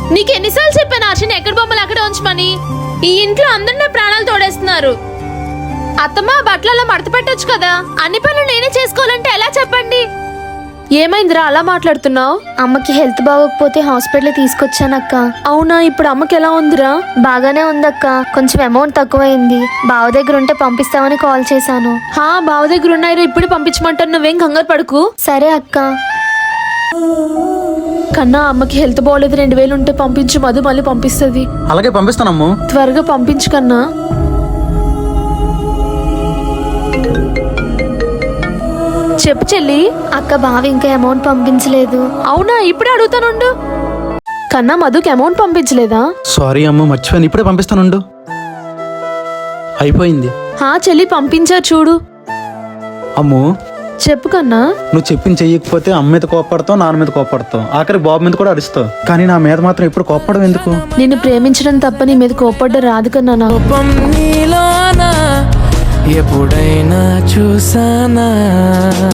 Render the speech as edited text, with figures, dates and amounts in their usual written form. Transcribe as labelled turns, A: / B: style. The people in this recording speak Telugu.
A: నీకు ఎన్నిసార్లు చెప్పాను ఆశని ఎక్కడ బొమ్మలు అక్కడే ఉంచమని? ఈ ఇంట్లో అందరు నా ప్రాణాలు తోడేస్తున్నారు. అత్తమ్మ బట్టలలో మడత పెట్టొచ్చు కదా, అన్ని పనులు నేనే చేసుకోవాలంటే ఎలా చెప్పండి? ఏమైందిరా అలా మాట్లాడుతున్నావు?
B: అమ్మకి హెల్త్ బాగోకపోతే హాస్పిటల్ తీసుకొచ్చానక్క.
A: అవునా, ఇప్పుడు అమ్మకి ఎలా ఉందిరా?
B: బాగానే ఉందక్క, కొంచెం అమౌంట్ తక్కువైంది. బావ దగ్గర ఉంటే పంపిస్తామని కాల్ చేశాను.
A: బావ దగ్గర ఉన్నాయిరా, ఇప్పుడు పంపించమంటారు. నువ్వేం కంగారు పడుకు.
B: సరే అక్క.
A: కన్నా అమ్మకి హెల్త్ బాగోలేదు, 2000 ఉంటే పంపించు, మధు మళ్ళీ పంపిస్తుంది.
C: అలాగే పంపిస్తానమ్ము.
A: త్వరగా పంపించు కన్నా. చెప్పు చెల్లి.
B: అక్క బావ ఇంకా అమౌంట్ పంపించలేదు.
A: అవునా, ఇప్పుడే అడుగుతానుండు. కన్నా మధుకి అమౌంట్ పంపించలేదా?
C: సారీ అమ్మ, మర్చిపోయాను. ఇప్పుడే పంపిస్తానుండు. అయిపోయింది.
A: చెల్లి పంపించా చూడు.
C: అమ్ము
A: చెప్పు కన్నా.
C: నువ్వు చెప్పింది చెయ్యకపోతే అమ్మ మీద కోపడతావు, నాన్న మీద కోపడతావు, ఆఖరి బాబు మీద కూడా అరుస్తావు. కానీ నా మీద మాత్రం ఎప్పుడు కోపడడం ఎందుకు?
A: నిన్ను ప్రేమించడం తప్ప నీ మీద కోపడ్డ రాదు కన్నా.
D: ఎప్పుడైనా చూసానా?